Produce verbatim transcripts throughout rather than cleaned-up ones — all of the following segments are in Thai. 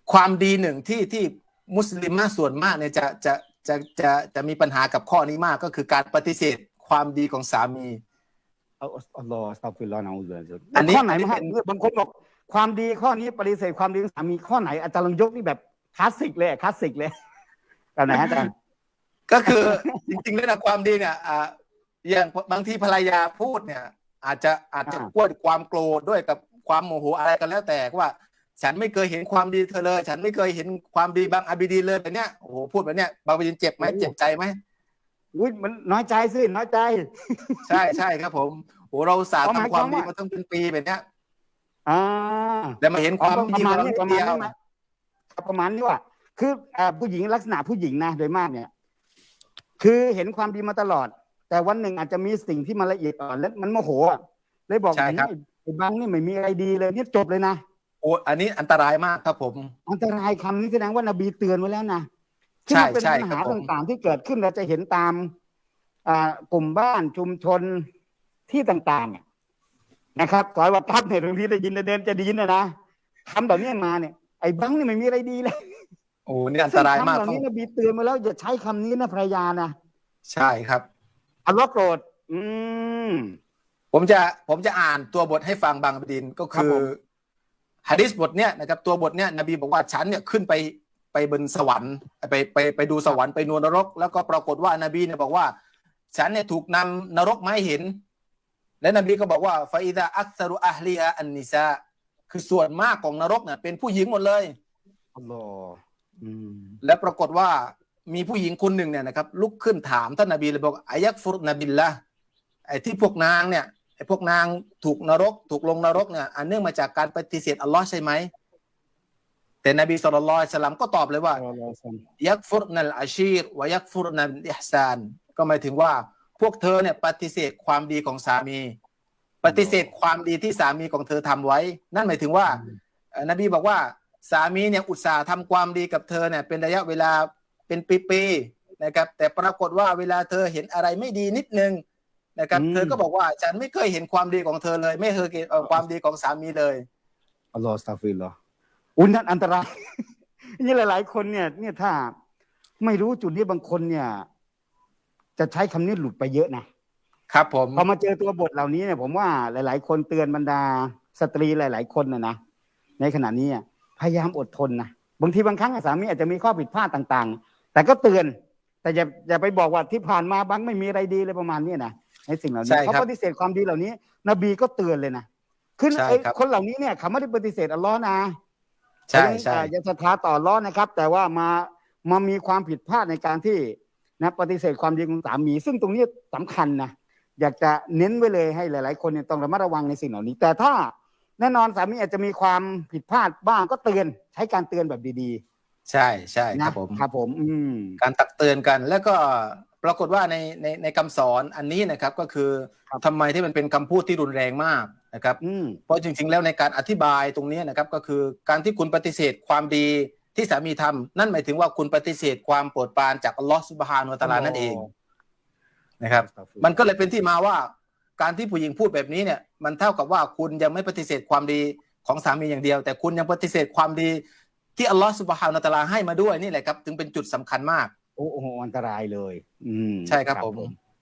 ความดีหนึ่งที่ที่มุสลิมส่วนมากเนี่ยจะจะจะจะจะมีปัญหากับข้อนี้มากก็คือการปฏิเสธความดีของสามีอัลลอฮฺอัสตัฆฟิรุลลอฮ์นะอูซุบิลลาฮิอันนี้ข้อไหนอันนี้มาเป็นบางคนบอกความดีข้อนี้ปฏิเสธความดีของสามีข้อไหนอาจารย์ลองยกนี่แบบคลาสสิกเลยคลาสสิกเลยแบบไหนอาจารย์ก็คือจริงๆแล้วนะความดีเนี่ยอ่าอย่างบางทีภรรยาพูดเนี่ยอาจจะอาจจะกวนความโกรธด้วยกับความโมโหอะไรกันแล้วแต่ว่าฉันไม่เคยเห็นความดีเธอเลยฉันไม่เคยเห็นความดีบางอาบิดีเลยแบบเนี้ยโอ้โหพูดแบบเนี้ยบางประเด็นเจ็บไหมเจ็บใจไหมอุ้ยมันน้อยใจสิน้อยใจใช่ใช่ครับผมโอ้เราสาทำความดีมาตั้งเป็นปีแบบเนี้ยอ่าแต่มาเห็นความดีของเราเดียวประมาณนี้ว่าคือผู้หญิงลักษณะผู้หญิงนะโดยมากเนี่ยคือเห็นความดีมาตลอดแต่วันหนึ่งอาจจะมีสิ่งที่มันละเอียดอ่อนแล้วมันโมโหเลยบอกไอ้บางนี่ไม่มีอะไรดีเลยเนี่ยจบเลยนะโอ้อันนี้อันตรายมากครับผมอันตรายคำนี้แสดงว่านบีเตือนไว้แล้วนะใช่เป็นปัญหาต่างๆที่เกิดขึ้นเราจะเห็นตามกลุ่มบ้านชุมชนที่ต่างๆนะครับก่อนว่าทับเนี่ยบางทีได้ยินเดินจะดีนะนะคำแบบนี้มาเนี่ยไอ้บังนี่ไม่มีอะไรดีเลยโอ้นี่อันตรายมากคำเหล่านี้นบีเตือนมาแล้วอย่าใช้คำนี้นะภรรยานะใช่ครับอัลลอฮ์โกรธอืมผมจะผมจะอ่านตัวบทให้ฟังบางประเด็นก็คือหะดีษบทเนี้ยนะครับตัวบทเนี้ยนบีบอกว่าฉันเนี่ยขึ้นไปไปบนสวรรค์ไปไปไปดูสวรรค์ไปนวลนรกแล้วก็ปรากฏว่านบีเนี่ยบอกว่าฉันเนี่ยถูกนำนรกมาให้เห็นและนบีก็บอกว่าฟาอิดะอักซารุอัลลีฮะอันนิซาคือส่วนมากของนรกเนี่ยเป็นผู้หญิงหมดเลยอัลลอฮ์และปรากฏว่ามีผู้หญิงคนหนึ่งเนี่ยนะครับลุกขึ้นถามท่านนบีเลยบอกอายักฟุรนบิลละไอ้ที่พวกนางเนี่ยไอ้พวกนางถูกนรกถูกลงนรกเนี่ยอันเนื่องมาจากการปฏิเสธอัลลอฮ์ใช่ไหมแต่นบีศ็อลลัลลอฮุอะลัยฮิวะซัลลัมก็ตอบเลยว่ายักฟุรนัลอาชีรวะยักฟุรนัลอิห์ซานก็หมายถึงว่าพวกเธอเนี่ยปฏิเสธความดีของสามีปฏิเสธความดีที่สามีของเธอทำไว้นั่นหมายถึงว่านบีบอกว่าสามีเนี่ยอุตส่าห์ทำความดีกับเธอเนี่ยเป็นระยะเวลาเป็นปีๆนะครับแต่ปรากฏว่าเวลาเธอเห็นอะไรไม่ดีนิดนึงนะครับเธอก็บอกว่าฉันไม่เคยเห็นความดีของเธอเลยไม่เคยเห็นความดีของสามีเลยอัลลอฮฺสตัฆฟิรุลลอฮ์อุ้ยนั่นอันตรายนี่หลายๆคนเนี่ยเนี่ยถ้าไม่รู้จุดนี้บางคนเนี่ยจะใช้คำนี้หลุดไปเยอะนะครับผมพอมาเจอตัวบทเหล่านี้เนี่ยผมว่าหลายๆคนเตือนบรรดาสตรีหลายๆคนนะนะในขณะนี้พยายามอดทนนะบางทีบางครั้งสามีอาจจะมีข้อผิดพลาดต่างๆแต่ก็เตือนแต่อย่าอย่าไปบอกว่าที่ผ่านมาบังไม่มีอะไรดีเลยประมาณนี้นะในสิ่งเหล่านี้เขาปฏิเสธความดีเหล่านี้นบีก็เตือนเลยนะคือไอ้คนเหล่านี้เนี่ยเขาไม่ได้ปฏิเสธอัลลอฮ์นะใช่ใช่อย่าศรัทธาต่ออัลลอฮ์นะครับแต่ว่ามามามีความผิดพลาดในการที่นะปฏิเสธความดีของสามีซึ่งตรงนี้สำคัญนะอยากจะเน้นไว้เลยให้หลายๆคนเนี่ยต้องระมัดระวังในสิ่งเหล่านี้แต่ถ้าแน่นอนสามีอาจจะมีความผิดพลาดบ้างก็เตือนใช้การเตือนแบบดีๆใช่ใช่ครับผมครับผมอืมการตักเตือนกันแล้วก็ปรากฏว่าในในในคำสอนอันนี้นะครับก็คือทำไมที่มันเป็นคำพูดที่รุนแรงมากนะครับเพราะจริงๆแล้วในการอธิบายตรงนี้นะครับก็คือการที่คุณปฏิเสธความดีที่สามีทำนั่นหมายถึงว่าคุณปฏิเสธความโปรดปรานจากอัลลอฮฺซุบฮานะฮูวะตะอาลานั่นเองนะครับมันก็เลยเป็นที่มาว่าการที่ผู้หญิงพูดแบบนี้เนี่ยมันเท่ากับว่าคุณยังไม่ปฏิเสธความดีของสามีอย่างเดียวแต่คุณยังปฏิเสธความดีที่อัลลอฮฺซุบฮานะฮูวะตะอาลาให้มาด้วยนี่แหละครับถึงเป็นจุดสำคัญมากโอ้โหอันตรายเลยอืมใช่ครับผม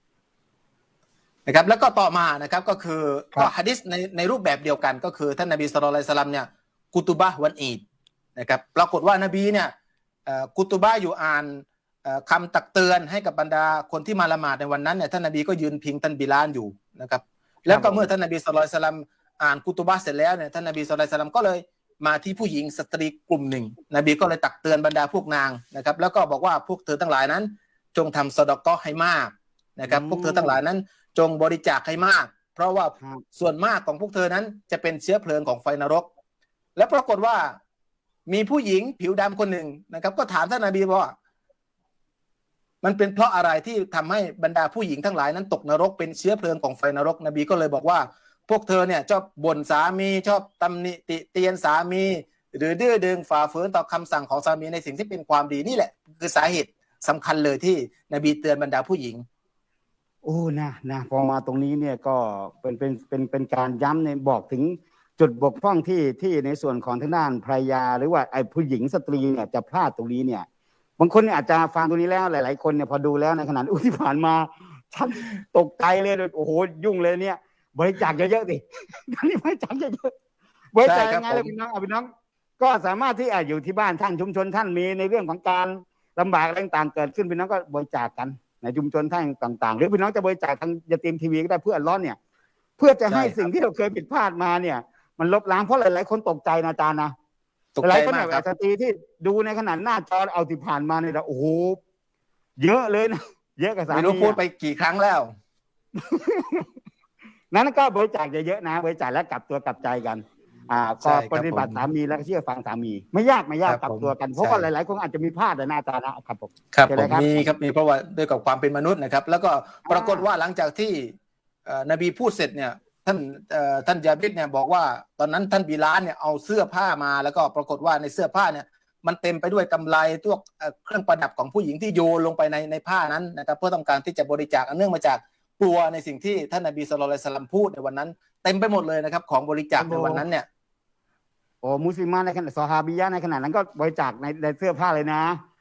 นะครับแล้วก็ต่อมานะครับก็คือก็หะดีษในในรูปแบบเดียวกันก็คือท่านนบีศ็อลลัลลอฮุอะลัยฮิวะซัลลัมเนี่ยกุตุบะฮ์วันอีดนะครับปรากฏว่านบีเนี่ยกุตุบะฮ์อยู่อ่านคำตักเตือนให้กับบรรดาคนที่มาละหมาดในวันนั้นเนี่ยท่านนบีก็ยืนพิงท่านบิลาลอยู่นะครับแล้วก็เมื่อท่านนบีศ็อลลัลลอฮุอะลัยฮิวะซัลลัมอ่านกุตุบะฮ์เสร็จแล้วเนี่ยท่านนบีศ็อลลัลลอฮุอะลัยฮิวะซัลลัมก็เลยมาที่ผู้หญิงสตรีกลุ่มหนึ่งนบีก็เลยตักเตือนบรรดาพวกนางนะครับแล้วก็บอกว่าพวกเธอทั้งหลายนั้นจงทำซอดาเกาะห์ให้มากนะครับพวกเธอทั้งหลายนั้นจงบริจาคให้มากเพราะว่าส่วนมากของพวกเธอนั้นจะเป็นเชื้อเพลิงของไฟนรกและปรากฏว่ามีผู้หญิงผิวดำคนหนึ่งนะครับก็ถามท่านนบีว่ามันเป็นเพราะอะไรที่ทำให้บรรดาผู้หญิงทั้งหลายนั้นตกนรกเป็นเชื้อเพลิงของไฟนรกนบีก็เลยบอกว่าพวกเธอเนี่ยชอบบ่นสามีชอบตำหนิติเตียนสามีหรือดื้อดึงฝ่าฝืนต่อคำสั่งของสามีในสิ่งที่เป็นความดีนี่แหละคือสาเหตุสำคัญเลยที่นบีเตือนบรรดาผู้หญิงโอ้นะนะพอมาตรงนี้เนี่ยก็เป็นเป็นเป็นเป็นการย้ำในบอกถึงจุดบกพร่องที่ที่ในส่วนของทางด้านภรรยาหรือว่าไอ้ผู้หญิงสตรีเนี่ยจะพลาดตรงนี้เนี่ยบางคนเนี่ยอาจจะฟังตรงนี้แล้วหลายๆคนเนี่ยพอดูแล้วในขณะอุ้ยที่ผ่านมาฉันตกใจเลยโอ้โหยุ่งเลยเนี่ยบริจาคเยอะๆสิตอนนี้บริจาคเยอะๆบริจาคยังไงเลยพี่น้องเอาพี่น้องก็สามารถที่อาจอยู่ที่บ้านท่านชุมชนท่านมีในเรื่องของการลำบากอะไรต่างๆเกิดขึ้นพี่น้องก็บริจาคกันในชุมชนท่านต่างๆหรือพี่น้องจะบริจาคทางยาตีมทีวีก็ได้เพื่ออัลเลาะห์เนี่ยเพื่อจะให้สิ่งที่เราเคยผิดพลาดมาเนี่ยมันลบล้างเพราะหลายๆคนตกใจนะอาจารย์นะหลายคนแบบสตรีที่ดูในขนาดหน้าจอเอาที่ผ่านมาเนี่ยโอ้โหเยอะเลยนะเยอะกับสามีไม่รู้พูดไปกี่ครั้งแล้วนั้นก็บริจาคเยอะๆนะบริจาคแล้วกลับตัวกลับใจกันอ่าก็ปฏิบัติสามีแล้วก็เชื่อฟังสามีไม่ยากไม่ยากกลับตัวกันเพราะว่าหลายๆคนอาจจะมีพลาดในหน้าตานะครับผมครับผมมีครับมีเพราะว่าด้วยกับความเป็นมนุษย์นะครับแล้วก็ปรากฏว่าหลังจากที่นบีพูดเสร็จเนี่ยท่านท่านยาบิดเนี่ยบอกว่าตอนนั้นท่านบิลาลเนี่ยเอาเสื้อผ้ามาแล้วก็ปรากฏว่าในเสื้อผ้าเนี่ยมันเต็มไปด้วยกำไลตัวเครื่องประดับของผู้หญิงที่โยนลงไปในในผ้านั้นนะครับเพื่อต้องการที่จะบริจาคเนื่องมาจากกลัวในสิ่งที่ท่านนบีศ็อลลัลลอฮุอะลัยฮิวะซัลลัมพูดในวันนั้นเต็มไปหมดเลยนะครับของบริจาคในวันนั้นเนี่ยโอ้มุสลิมในขณะซอฮาบียะในขณะนั้นก็บริจาคในในเสื้อผ้าเลยนะ